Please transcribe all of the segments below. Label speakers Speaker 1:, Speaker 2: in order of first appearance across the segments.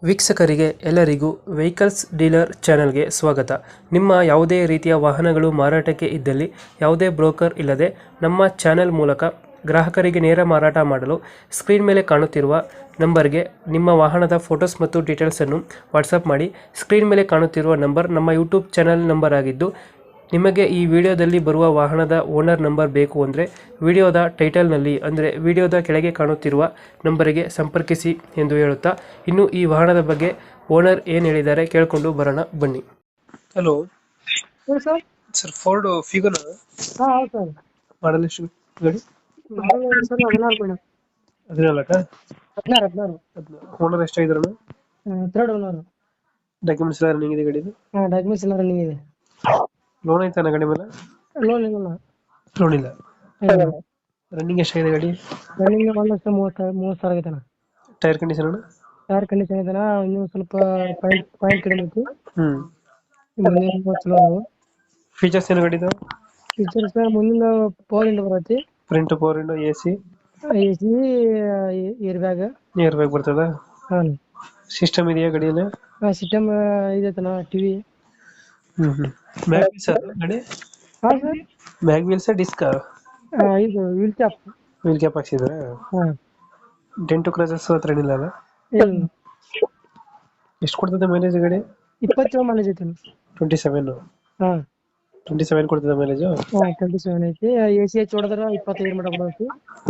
Speaker 1: ವೀಕ್ಷಕರಿಗೆ ಎಲ್ಲರಿಗೂ vehicles dealer ಚಾನೆಲ್ಗೆ ಸ್ವಾಗತ. ನಿಮ್ಮ ಯಾವುದೇ ರೀತಿಯ ವಾಹನಗಳು ಮಾರಾಟಕ್ಕೆ ಇದ್ದಲ್ಲಿ ಯಾವುದೇ ಬ್ರೋಕರ್ ಇಲ್ಲದೆ ನಮ್ಮ ಚಾನೆಲ್ ಮೂಲಕ ಗ್ರಾಹಕರಿಗೆ ನೇರ ಮಾರಾಟ ಮಾಡಲು ಸ್ಕ್ರೀನ್ ಮೇಲೆ ಕಾಣುತ್ತಿರುವ ನಂಬರ್ಗೆ ನಿಮ್ಮ ವಾಹನದ ಫೋಟೋಸ್ ಮತ್ತು ಡೀಟೇಲ್ಸನ್ನು ವಾಟ್ಸಪ್ ಮಾಡಿ. ಸ್ಕ್ರೀನ್ ಮೇಲೆ ಕಾಣುತ್ತಿರುವ ನಂಬರ್ ನಮ್ಮ ಯೂಟ್ಯೂಬ್ ಚಾನೆಲ್ ನಂಬರ್ ಆಗಿದ್ದು, ನಿಮಗೆ ಈ ವಿಡಿಯೋದಲ್ಲಿ ಬರುವ ವಾಹನದ ಓನರ್ ನಂಬರ್ ಬೇಕು ಅಂದರೆ ವಿಡಿಯೋದ ಟೈಟಲ್ನಲ್ಲಿ ಅಂದರೆ ವಿಡಿಯೋದ ಕೆಳಗೆ ಕಾಣುತ್ತಿರುವ ನಂಬರಿಗೆ ಸಂಪರ್ಕಿಸಿ ಎಂದು ಹೇಳುತ್ತಾ, ಇನ್ನು ಈ ವಾಹನದ ಬಗ್ಗೆ ಓನರ್ ಏನು ಹೇಳಿದ್ದಾರೆ ಕೇಳಿಕೊಂಡು ಬರೋಣ ಬನ್ನಿ. ಹಲೋ
Speaker 2: ಹೇಳಿ ಸರ್.
Speaker 1: ಸರ್, ಫೋರ್ಡ್ ಫಿಗನ್
Speaker 2: ಹಾಂ ಹೌದು ಸರ್.
Speaker 1: ಮಾಡಲ್ ಎಷ್ಟು ಗಾಡಿ?
Speaker 2: Model sir 14 madam.
Speaker 1: 14
Speaker 2: 16
Speaker 1: ಓನರ್ ಎಷ್ಟಾಗಿದ್ರಣ?
Speaker 2: Third owner.
Speaker 1: ಡಾಕ್ಯುಮೆಂಟ್ಸ್ ಎಲ್ಲ ರನ್ನಿಂಗ್ ಇದೆ ಗಾಡಿದು?
Speaker 2: ಹಾಂ ಡಾಕ್ಯುಮೆಂಟ್ಸ್ ಎಲ್ಲ ರನ್ನಿಂಗ್ ಇದೆ.
Speaker 1: ಲೋನ್ ಐತಾನ ಗಾಡಿ ಮೇಲೆ?
Speaker 2: ಲೋನ್ ಇಲ್ಲ.
Speaker 1: ಲೋನ್ ಇಲ್ಲ. ರನ್ನಿಂಗ್ ಎಷ್ಟಾಗಿದೆ ಗಾಡಿ?
Speaker 2: ರನ್ನಿಂಗ್ 1,30,000 ಆಗೈತೆ ಅಣ್ಣ.
Speaker 1: ಟೈರ್ ಕಂಡೀಷನ್ ಅಣ್ಣ?
Speaker 2: ಟೈರ್ ಕಂಡೀಷನ್ ಐತೆ ಅಣ್ಣ. ಇನ್ನೂ ಸ್ವಲ್ಪ ಪಾಯಿಂಟ್ ಕಡಿಮೆ ಐತಿ. ಮುಂದಿನ ಚಲೋ ಅದಾವು.
Speaker 1: ಫೀಚರ್ಸ್ ಏನು ಗಾಡಿದು?
Speaker 2: ಫೀಚರ್ಸ್ ಮುಂದಿನ ಪವರ್ ವಿಂಡೋ ಬರತ್ತೆ.
Speaker 1: Front power window, AC,
Speaker 2: AC, air bag.
Speaker 1: Air bag ಬರ್ತದ?
Speaker 2: ಹಾಂ
Speaker 1: ಸಿಸ್ಟಮ್ ಇದೆಯಾ ಗಾಡಿಯಲ್ಲಿ?
Speaker 2: ಸಿಸ್ಟಮ್ ಇದೈತೆ ಅಣ್ಣ. TV.
Speaker 1: ಮ್ಯಾಗ್ ವೀಲ್ಸ್ ಗಾಡಿ?
Speaker 2: ಹಾಂ ಸರ್.
Speaker 1: Mag wheels disc?
Speaker 2: ಇದು ವೀಲ್ ಕ್ಯಾಪ್.
Speaker 1: ವೀಲ್ ಕ್ಯಾಪ್ ಹಾಕ್ಸಿದ್ರ?
Speaker 2: ಹಾಂ
Speaker 1: ಡೆಂಟು ಕ್ರಾಚಸ್ ಹತ್ರ ಏನಿಲ್ಲ ಅಲ್ಲ?
Speaker 2: ಇಲ್ಲ.
Speaker 1: ಎಷ್ಟು ಕೊಡ್ತದೆ ಮೈಲೇಜ್ ಗಾಡಿ?
Speaker 2: 27 ಮೈಲೇಜ್ ಐತೆ.
Speaker 1: 27?
Speaker 2: ಹಾಂ
Speaker 1: 27 ಕೊಡ್ತದೆ ಮೈಲೇಜ್?
Speaker 2: 27 ಐತಿ. AC ಹಚ್ಚಿ ಹೊಡೆದ್ರೆ 25 ಮಟ ಕೊಡೈತಿ.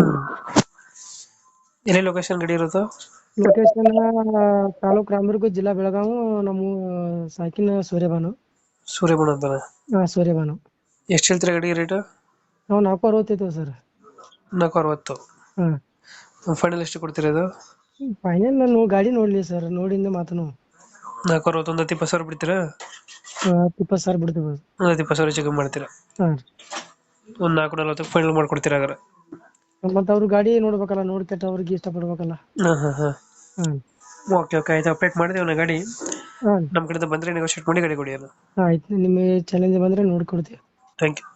Speaker 1: ಎಲ್ಲಿ ಲೊಕೇಶನ್ ಗಾಡಿ ಇರೋದು?
Speaker 2: ಲೊಕೇಶನ್ ತಾಲೂಕು ರಾಮದುರ್ಗ, ಜಿಲ್ಲಾ ಬೆಳಗಾವಿ. ನಮ್ಮ ಸಾಕಿನ ಸೂರ್ಯಭಾನು.
Speaker 1: ಸೂರ್ಯಬಣ ಅಂತಾನೆ?
Speaker 2: ಹಾಂ ಸೂರ್ಯಭಾನು.
Speaker 1: ಎಷ್ಟು ಹೇಳ್ತೀರಾ ಗಾಡಿ ರೇಟ್?
Speaker 2: ನಾವು 460 ಸರ್.
Speaker 1: 460?
Speaker 2: ಹಾಂ.
Speaker 1: ಫೈನಲ್ ಎಷ್ಟು ಕೊಡ್ತೀರಾ ಇದು?
Speaker 2: ಫೈನಲ್ ನಾನು ಗಾಡಿ ನೋಡಲಿ ಸರ್, ನೋಡಿಂದ ಮಾತನು.
Speaker 1: 460 ಒಂದು 20,000 ಬಿಡ್ತೀರಾ?
Speaker 2: 20,000 ಬಿಡ್ತೀವಿ.
Speaker 1: ಒಂದು 20,000 ಚಿಕನ್ ಮಾಡ್ತೀರಾ?
Speaker 2: ಹಾಂ.
Speaker 1: ಒಂದು 440 ಫೈನಲ್ ಮಾಡ್ಕೊಡ್ತೀರಾ ಹಾಗಾದ್ರೆ?
Speaker 2: ಮತ್ತು ಅವ್ರು ಗಾಡಿ ನೋಡ್ಬೇಕಲ್ಲ, ನೋಡಿ ಕೆಟ್ಟ ಅವ್ರಿಗೆ ಇಷ್ಟಪಡ್ಬೇಕಲ್ಲ. ಹಾಂ.
Speaker 1: ಓಕೆ ಆಯ್ತು, ಅಪ್ಡೇಟ್ ಮಾಡಿದ್ದೀವಿ ನಾ ಗಾಡಿ.
Speaker 2: ಹಾಂ
Speaker 1: ನಮ್ಮ ಕಡೆಯಿಂದ ಬಂದರೆ ನೆಗೋಷಿಯೇಟ್ ಮಾಡಿ ಗಾಡಿ ಕೊಡಿ ಅಲ್ಲ.
Speaker 2: ಆಯ್ತು. ನಿಮ್ಮ ಚಾಲೆಂಜ್ ಬಂದರೆ ನೋಡ್ಕೊಡ್ತೀವಿ.
Speaker 1: Thank you.